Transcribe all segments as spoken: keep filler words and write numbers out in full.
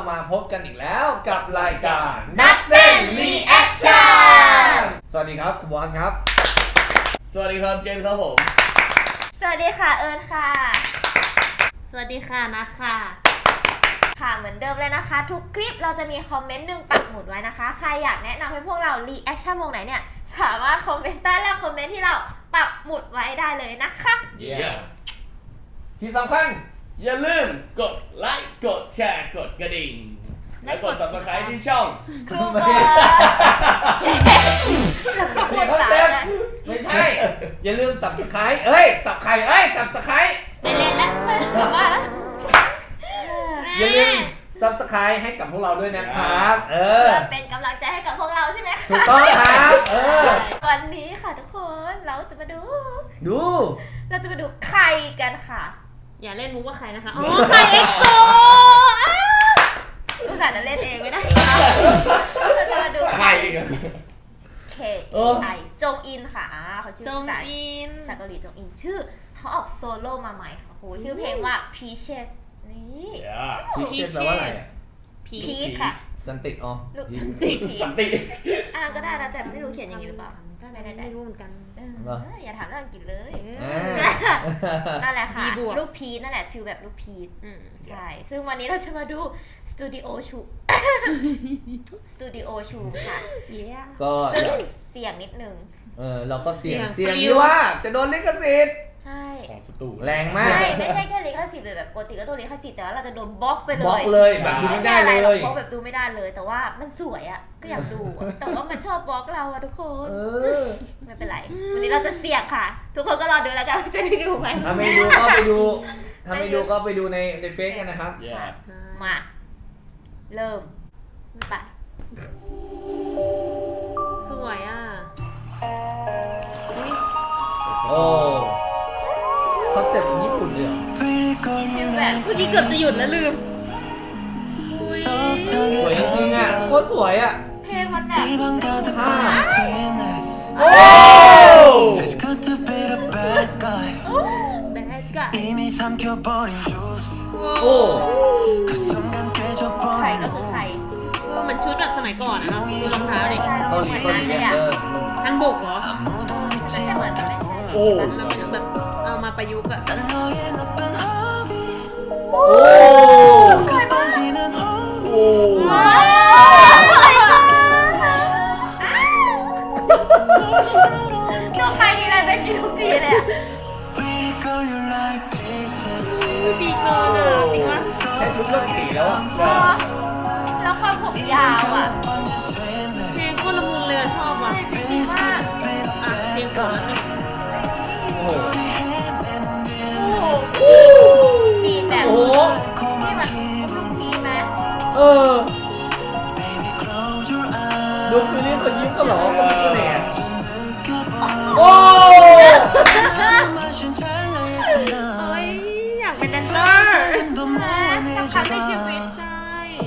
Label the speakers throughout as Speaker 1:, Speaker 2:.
Speaker 1: มาพบกันอีกแล้วกับรายการ
Speaker 2: นักเต้นรีแอคชั่น
Speaker 1: สวัสดีครับคุณบอลครับ
Speaker 3: สวัสดีครับเจนครับผม
Speaker 2: สวัสดีค่ะเอิญค่ะ
Speaker 4: สวัสดีค่ะนัทค่ะ
Speaker 2: ค่ะเหมือนเดิมเลยนะคะทุกคลิปเราจะมีคอมเมนต์หนึ่งปักหมุดไว้นะคะใครอยากแนะนำให้พวกเรารีแอคชั่นวงไหนเนี่ยสามารถคอมเมนต์ใต้ล่างคอมเมนต์ที่เราปักหมุดไว้ได้เลยนะคะ
Speaker 3: yeah.
Speaker 1: ที่สำคัญ
Speaker 3: อย่าลืมกดไลค์กดแชร์กดกระดิ่งและกด ซับสไครบ์ ที่ช่อง
Speaker 2: ครูบอลแล้วก็พูดตามเลย
Speaker 1: ไม่ใช่อย่าลืม Subscribe เอ้ย Subscribe เอ้ย Subscribe
Speaker 2: ไปเล่นแล้วแบบว่า
Speaker 1: อย่าลืม Subscribe ให้กับพวกเราด้วยนะครับเออ
Speaker 2: เป็นกำลังใจให้กับพวกเราใช่ไหมคะ
Speaker 1: ถูกต้องครับเออ
Speaker 2: วันนี้ค่ะทุกคนเราจะมาดู
Speaker 1: ดู
Speaker 2: เราจะมาดูใครกันค่ะ
Speaker 4: อย่าเล่นมุกว่าใครนะคะอ๋อใครเอ็กโซ
Speaker 2: อุตส่าห์จะเล่นเองไม่ได้เราจะมาดู
Speaker 3: ใครกัน
Speaker 2: เคไอจงอินค่ะเขาชื่อ
Speaker 4: จงอิน
Speaker 2: ภาษาเกาหลีจงอินชื่อเขาออกโซโล่มาใหม่ค่ะโหชื่อเพลงว่า Peaches นี่
Speaker 1: Peaches แปลว่าอะไรอ่ะ
Speaker 2: Peach ค่ะ
Speaker 1: สันติอ๋อ
Speaker 2: ลูกสันติ
Speaker 3: สันติ
Speaker 2: อ่านก็ได้นะแต่ไม่รู้เขียนอย่างนี้หรือเปล่า
Speaker 4: ไม่แน่ใจไม่รู้เหมือนกัน
Speaker 2: อย่าถามเรื่องอังกฤษเลยนั่นแหละค่ะลูกพีชนั่นแหละฟิลแบบลูกพีชใช่ซึ่งวันนี้เราจะมาดูสตูดิโอชูสตูดิโอชูค่ะ
Speaker 1: ก็
Speaker 2: ซึ่งเสียงนิดนึง
Speaker 1: เออเราก็เสียงเสียงที่ว่าจะโดนลิขสิทธิ์
Speaker 2: ใช่
Speaker 3: ของสตู
Speaker 1: แรงมาก
Speaker 2: ไม่ไม่ใช่แค่ลิขสิทธิ์แบบปกติก็ตัวลิขสิทธิ์แต่ว่าเราจะโดนบล็อกไปเลย
Speaker 1: บล็อกเลยแบบดูไม่ได้เลย
Speaker 2: บล็อกแบบดูไม่ได้เลยแต่ว่ามันสวยอ่ะก็อยากดูแต่ว่ามันชอบบล็อกเราอะทุกคนไม่เป็นไรวันนี้เราจะเสี่ยงค่ะทุกคนก็รอดูแล้วกันจะได้ดูไหม
Speaker 1: ถ้าไม่ดูก็ไปดูถ้าไม่ดูก็ไปดูในในเฟซกันนะครับ
Speaker 2: มาเริ่มไป
Speaker 4: สวยอ่ะ
Speaker 1: โอ้คอนเซ็ปต์ญี่ปุ่นเลย
Speaker 2: แบบ
Speaker 4: เมื่อกี้เกือบจะหยุดแล้วลืม
Speaker 1: สวยจริงๆอ่ะโคตรสวยอ่ะ
Speaker 2: เพลงมันแบบ
Speaker 1: ฮ่า
Speaker 3: โอ้
Speaker 1: โอ้
Speaker 2: ใครก็คือใคร
Speaker 4: มันชุดแบบสมัยก่อนนะเนาะดูรองเท้าดิ
Speaker 1: เกาหลีเกาหลีเออ
Speaker 4: ฮันบุกเหรอ
Speaker 2: แต่เหมือนมันไม่ใช่
Speaker 3: โอ้
Speaker 4: แล้วมันแบบเอามาประยุกต์อะ
Speaker 1: โอ้
Speaker 2: สวยมาก
Speaker 3: โอ้
Speaker 2: ดูใครดีเลยเป็นกี่ทุกทีเลยอะ
Speaker 4: ดีเกินอะจริงวะ
Speaker 1: แค่ชุดเรื่องสีแล้วอ่ะ
Speaker 2: แล้วความผมยาวอ่ะ
Speaker 4: เพลงก็ละมุนเลยชอบอ่ะ
Speaker 2: ดีมาก
Speaker 4: อ่ะเพลงก่อนแล้ว
Speaker 1: โอ้
Speaker 2: โหบีแบบ
Speaker 1: โอ้
Speaker 2: ที่มันลูกพีไหม
Speaker 1: เออดูคืนนี้เขายิ้มก็หรอเขาเป็นเสน่ห์โอ้
Speaker 4: ยอยากเป็นแดนเซอร์
Speaker 2: สักครั้งในชีวิต
Speaker 4: ใช่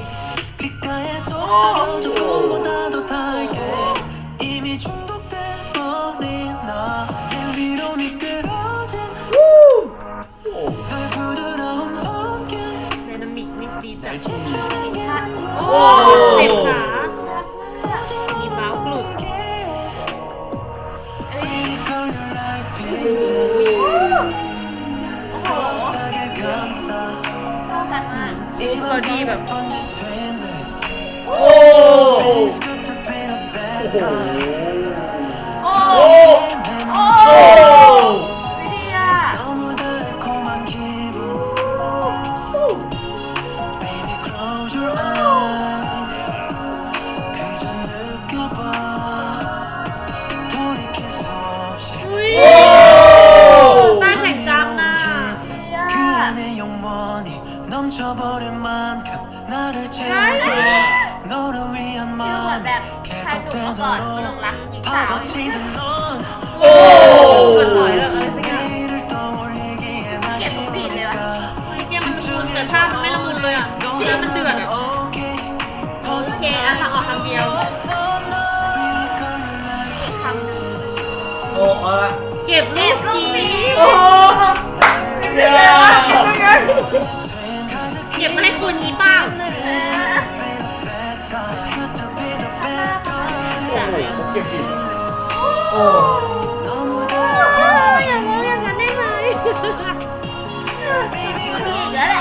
Speaker 4: ไดนามิกนี่ดีจังโอ้เต็มขามีบ้าวกลุก
Speaker 2: เข้ากันมาก
Speaker 4: พอดีแบบ
Speaker 1: โอ้
Speaker 2: โอ้โอ้วิดีอะ
Speaker 4: บ้านแห่งจำน่ะ
Speaker 2: ใช่ฟิลเหมือนแบบชายหนุ่มเมื่อก่อนหลงรักหญิงสาว
Speaker 4: โอ้มันสวยแบบอะไรสักอย่าง
Speaker 2: เกลียดทุกบีทเลยวะ
Speaker 4: เฮ้ยแกมันละมุนแต่ท่ามันไม่ละมุนเลยอ่ะเนื้อมันเดือดอ่ะโอเคอ่ะถ้าออกทางเดียว
Speaker 2: ทำนึง
Speaker 1: โอ้เอาละ
Speaker 4: เก็บรูปที
Speaker 1: โอ้เดี๋ยว
Speaker 4: เก็บมาให้คุณนี้เปล่า
Speaker 1: โอ้
Speaker 4: อย่ามองอย่างนั้นได้ไหม
Speaker 2: มีอีกแล้วแหละ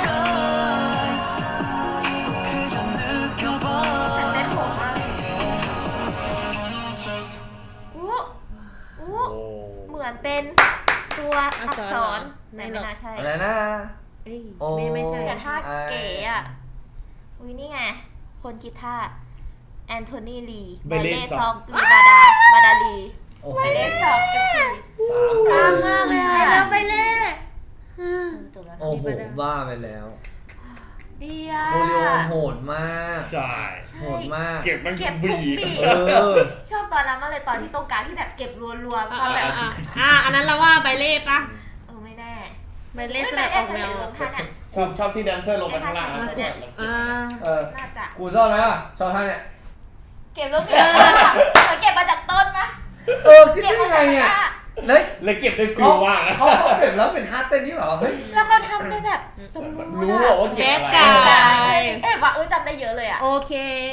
Speaker 2: แต่เต้นโหดมากเลยอู้อู้
Speaker 3: โอ้
Speaker 2: เหมือนเป็นตัวอักษรแต่ไม่น่าใช่
Speaker 1: อะไรนะ
Speaker 4: เอ้ย
Speaker 1: โอ้
Speaker 4: ไม่ไม่ใช่
Speaker 2: แต่ท่าเก๋อ่ะ อุ้ยนี่ไง คนคิดท่าแอนโทนีลีบาเล่ซอกลีบาดาบาดาลี
Speaker 1: โอ้โห
Speaker 2: บาเล่ซอกเอฟซี
Speaker 1: สาม
Speaker 2: ตามมากเลย
Speaker 4: ไป
Speaker 2: อ่ะ
Speaker 4: แล้วไปเลย
Speaker 2: จบแล้ว
Speaker 1: โอ้โหบ้าไปแล้ว
Speaker 2: ดีอ่ะ
Speaker 1: โคเรียโหดมาก
Speaker 3: ใช่
Speaker 1: โหดมาก
Speaker 3: เก็บมัน
Speaker 2: เก็บทุก
Speaker 3: บี
Speaker 2: ปี
Speaker 1: เออ
Speaker 2: ชอบตอนนั้นมากเลยตอนที่ตรงกลางที่แบบเก็บรัวๆความแบบ
Speaker 4: อ่ะอ่ะอันนั้นเราว่าใบเล่ปะ
Speaker 2: เออไม่แน่
Speaker 4: ใบเล่จะแบบออกแนว
Speaker 2: เล่นท่าเนี่ย
Speaker 3: ชอบชอบที่แดนเซอร์ลงไปข้างล่าง
Speaker 2: ไอ้ท่าชิงๆเนี่ย
Speaker 4: อ่า
Speaker 1: เออ
Speaker 2: น่าจะ
Speaker 1: กูชอบอะไรอ่ะชอบท่าเนี่ย
Speaker 2: เก็บรูปเก็บเหมือนเก็บมาจากต้นปะ
Speaker 1: เออคิด
Speaker 2: เก็บ
Speaker 1: ได้
Speaker 2: มา
Speaker 1: ไง
Speaker 2: จาก
Speaker 1: เนี่ย
Speaker 2: ท่า
Speaker 1: แล้ว
Speaker 3: เลยเก็บได้ฟิ
Speaker 1: เขา
Speaker 3: ลมากนะ
Speaker 1: เขาเขาเก็บแล้วเป็นท่าเต้นที่แบบว่าเฮ้ย
Speaker 2: แล้วเขาทำได้แบบสมบูรณ์
Speaker 3: รู้อะว่าเก็บอะไร
Speaker 4: แบ๊กกา
Speaker 2: เอ๊ะว่าเออจำได้เยอะเลยอ่ะ
Speaker 4: โอเค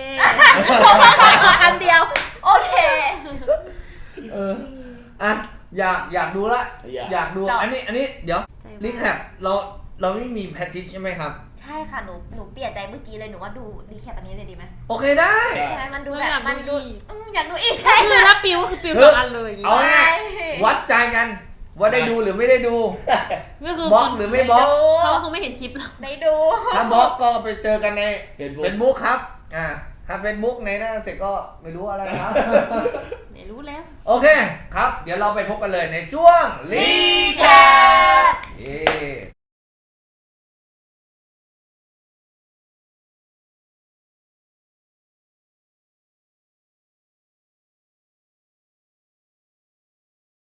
Speaker 2: คำเดียว โอเค
Speaker 1: เอออ่ะอยากอยากดูละ
Speaker 3: อยาก
Speaker 1: อยากดู
Speaker 2: จบ
Speaker 1: อันนี้อันนี้เดี๋ยว
Speaker 4: ใจมาก
Speaker 1: รีแคปเราเราไม่มีแพทติชใช่ไหมครับ
Speaker 2: ใช่ค่ะหนูหนูเปลี่ยนใจเมื่อกี้เลยหนูว่าดูรีแคปอันนี้เลยดีไหม
Speaker 1: โอเคได้
Speaker 3: ใช่
Speaker 2: ใช่ไหมมันดูแบบ
Speaker 4: อยาก
Speaker 2: มัน
Speaker 4: ดู
Speaker 2: ดู
Speaker 4: อีก
Speaker 2: อืมอยากดูอีกใช่
Speaker 4: คือถ้าปิวก็คือปิวทั้งอันเลยอย่าง
Speaker 1: เอา
Speaker 4: งี้
Speaker 1: ง่ายวัดใจกันว่าได้ดูหรือไม่ได้ดู
Speaker 4: ก็คือบ
Speaker 1: ล็อกหรือไม่บล็อก
Speaker 4: เขาคงไม่เห็นคลิปหรอก
Speaker 2: ได้ดู
Speaker 1: ถ้าบล็อกก็ไปเจอกันใน
Speaker 3: Facebook
Speaker 1: เฟซบุ๊กครับอ่าถ้าเฟซบุ๊กในหน้าเสร็จก็ไม่รู้อะไรครับ
Speaker 4: ไหนรู้แล้ว
Speaker 1: โอเคครับ เดี๋ยวเราไปพบกันเลยในช่วงรี
Speaker 2: รี
Speaker 1: แค
Speaker 2: แค
Speaker 1: ป